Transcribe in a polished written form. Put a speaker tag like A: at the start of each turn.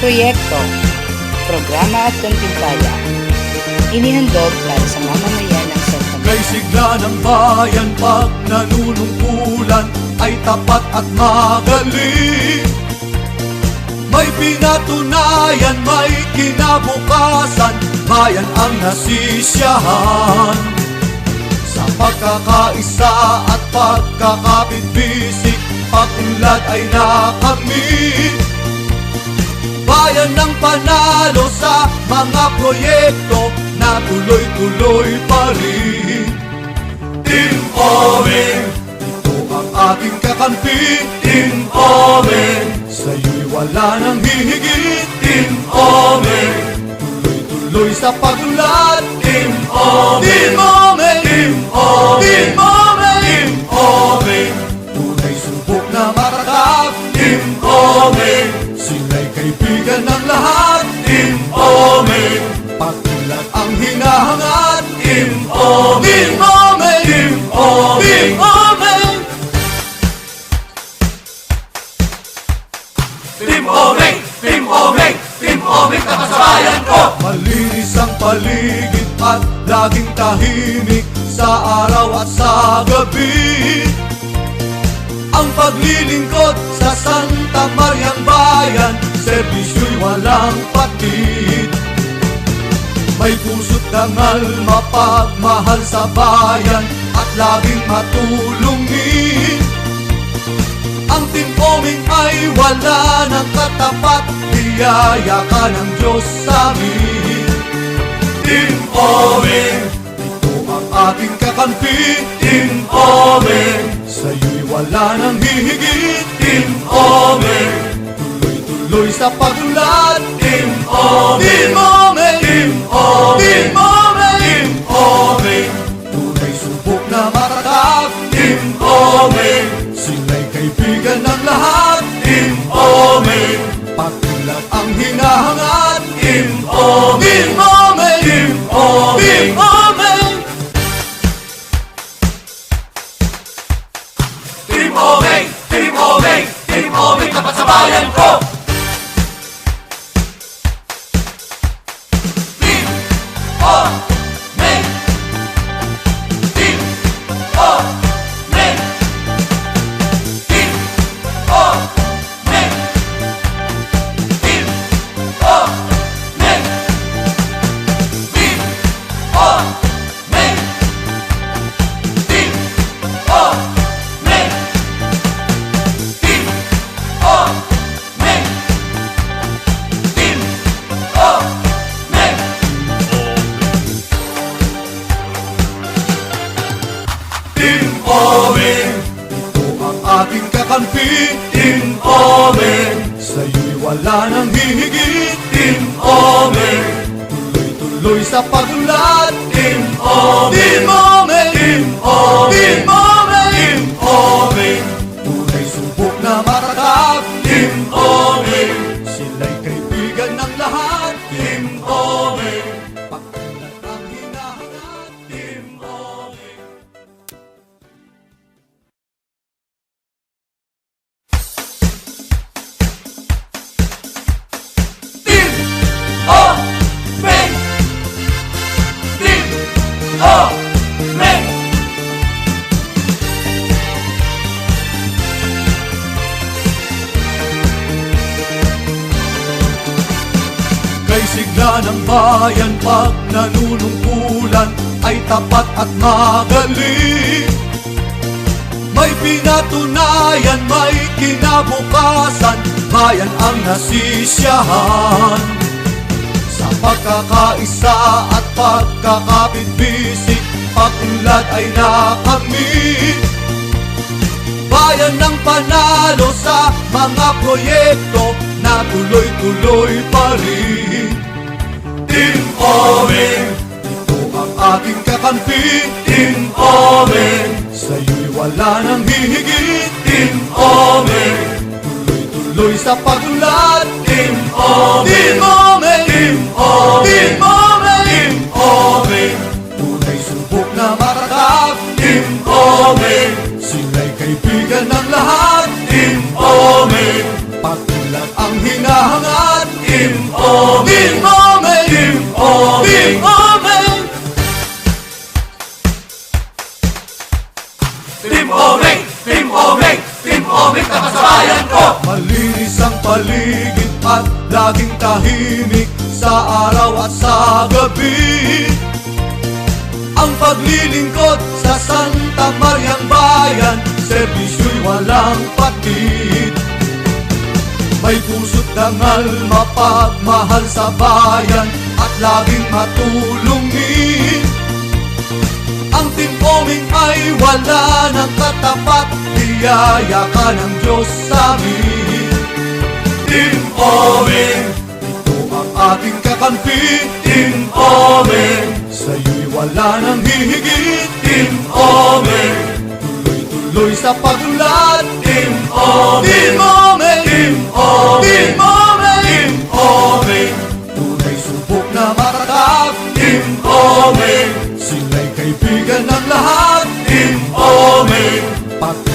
A: proyekto, programa at kantimpala, inihandog para sa mamamayan ng Santa Maria.
B: Kay sigla ng bayan pag nanunungkulan ay tapat at magaling. May pinatunayan, may kinabukasan, bayan ang nasisiyahan. Sa pagkakaisa at pagkakapit-bisik, pag-unlad ay nakamit. Bayan ng panalo sa mga proyekto na tuloy-tuloy pa rin. Team Omen, ito ang ating kakampi. Team Omen, sa'yo'y wala nang hihigit. Team Omen, tuloy-tuloy sa pag-unlad. Team Omen, Team Omen, Team Omen, Team Omen, Team Omen, tunay subok na matatag. Team Omen, sila'y kaibigan ng lahat. Team Omen, pag-unlad ang hinahangad. Team Omen, Team Omen, Team Omen, Team Omen, Team Omen, Team Omen, Team Omen, kapasabayan ko. Malinis ang paligid at laging tahimik sa araw at sa gabi. Ang paglilingkod sa Santa Mariang Bayan, servisyo'y walang patid. May puso't dangal, mapagmahal sa bayan at laging matulungin. Ang Team Omen ay wala ng katapat, biyaya ka ng Diyos sa amin. Team Omen, ito ang ating kakampi. Team Omen, sa'yo'y wala nang hihigit. Team Omen, tuloy-tuloy sa pag-unlad. Team Omen, Team Omen, Team Omen, Team Omen, Team Omen, tunay subok na matatag. Team Omen, sila'y kaibigan ng lahat. Team Omen, pag-unlad ang hinahangad. Team Omen, Team Omen, Team Omen, Team Omen, Team Omen, Team Omen, Team Omen, tapat sa bayan ko. Team Omen, Team Omen, Team Omen, Team Omen, Team Omen, Team Omen, Team Omen, Team Omen. Team Omen, ito ang ating kakampi. Team Omen, sa'yo'y wala nang hihigit. Team Omen, tuloy-tuloy sa pag-unlad. Team Omen, Team Omen, Team Omen, Team Omen, Team Omen, tunay subok na matatag. Team Omen, sila'y kaibigan ng lahat. Team Omen, pag-unlad ang hinahangad. Team Omen. Team Omen, Team Omen, kay sigla ng bayan pag nanunungkulan ay tapat at magaling. May pinatunayan, may kinabukasan, bayan ang nasisiyahan. Sa pagkakaisa at pagkakapit-bisik, pag-unlad ay nakamit. Bayan ng panalo sa mga proyekto na tuloy-tuloy pa rin. Team Omen, ito ang ating kakampi. Team Omen, sa'yo'y wala nang hihigit. Team Omen, tuloy-tuloy sa pag-unlad. Team Omen, Team Omen, Team Omen, Team Omen, Team Omen, tunay subok na matatag. Team Omen, sila'y kaibigan ng lahat. Team Omen, pag-unlad ang hinahangad. Team
C: tahimik sa araw at sa gabi. Ang paglilingkod sa Santa Mariang Bayan, serbisyu'y walang patid. May puso't dangal, mapagmahal sa bayan at laging matulungin. Ang Team Oming ay wala ng katapat, biyaya ka ng Diyos sa amin. Team Oming, ito ang ating kakampi. Team Oming, sa'yo'y wala nang hihigit. Team Oming, tuloy-tuloy sa pag-unlad. Team Oming, Team Oming, Team Oming, Team Oming, Team Oming, tunay subok na matatag. Team Oming, sila'y kaibigan ng lahat. Team Oming,